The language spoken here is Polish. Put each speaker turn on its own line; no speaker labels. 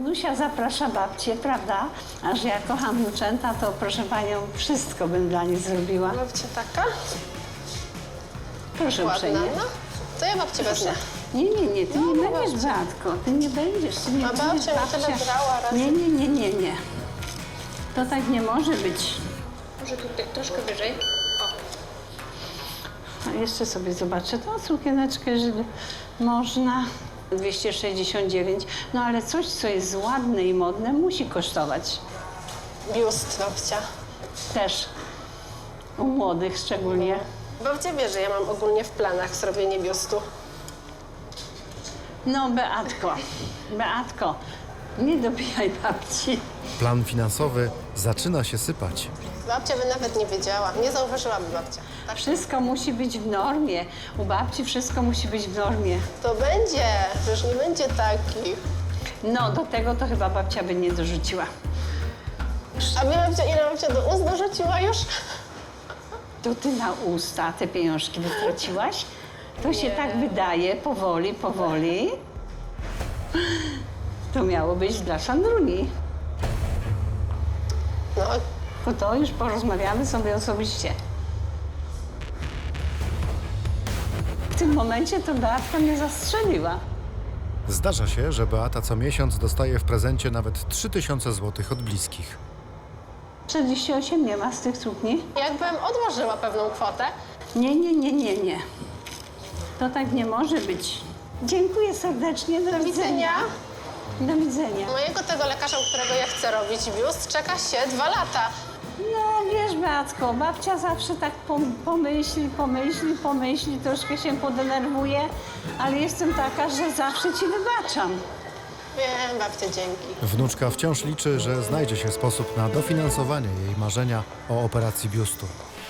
Wnusia zaprasza babcię, prawda? A że ja kocham wnuczęta, to proszę panią, wszystko bym dla niej zrobiła.
Babcia taka?
Proszę
Ładna,
uprzejmie.
no. To ja babcię wezmę.
Nie, ty
No,
nie
no
będziesz,
babcia.
Beatko, ty nie będziesz. Ty nie
A babcia
będziesz,
mi tyle brała razy.
Nie. To tak nie może być.
Może tutaj troszkę wyżej.
A jeszcze sobie zobaczę tą sukieneczkę, jeżeli można. 269, no ale coś, co jest ładne i modne, musi kosztować.
Biust babcia.
Też. U młodych szczególnie.
Babcia wie, że ja mam ogólnie w planach zrobienie biustu.
No, Beatko, nie dobijaj babci.
Plan finansowy zaczyna się sypać.
Babcia by nawet nie wiedziała. Nie zauważyłaby babcia. Tak.
Wszystko musi być w normie. U babci wszystko musi być w normie.
To będzie. Przecież nie będzie takich.
No, do tego to chyba babcia by nie dorzuciła.
A wie babcia, ile babcia do ust dorzuciła już?
To ty na usta te pieniążki wytraciłaś? To się tak wydaje, powoli. To miało być dla Sandruni.
No,
To już porozmawiamy sobie osobiście. W tym momencie to Beatka mnie zastrzeliła.
Zdarza się, że Beata co miesiąc dostaje w prezencie nawet 3000 zł od bliskich.
48 nie ma z tych sukni?
jakbym odłożyła pewną kwotę.
Nie. To tak nie może być. Dziękuję serdecznie, do widzenia. Do widzenia.
Mojego tego lekarza, u którego ja chcę robić biust, czeka się 2 lata.
No wiesz, Beatko, babcia zawsze tak pomyśli, troszkę się podenerwuje, ale jestem taka, że zawsze ci wybaczam.
Wiem, babcia, dzięki.
Wnuczka wciąż liczy, że znajdzie się sposób na dofinansowanie jej marzenia o operacji biustu.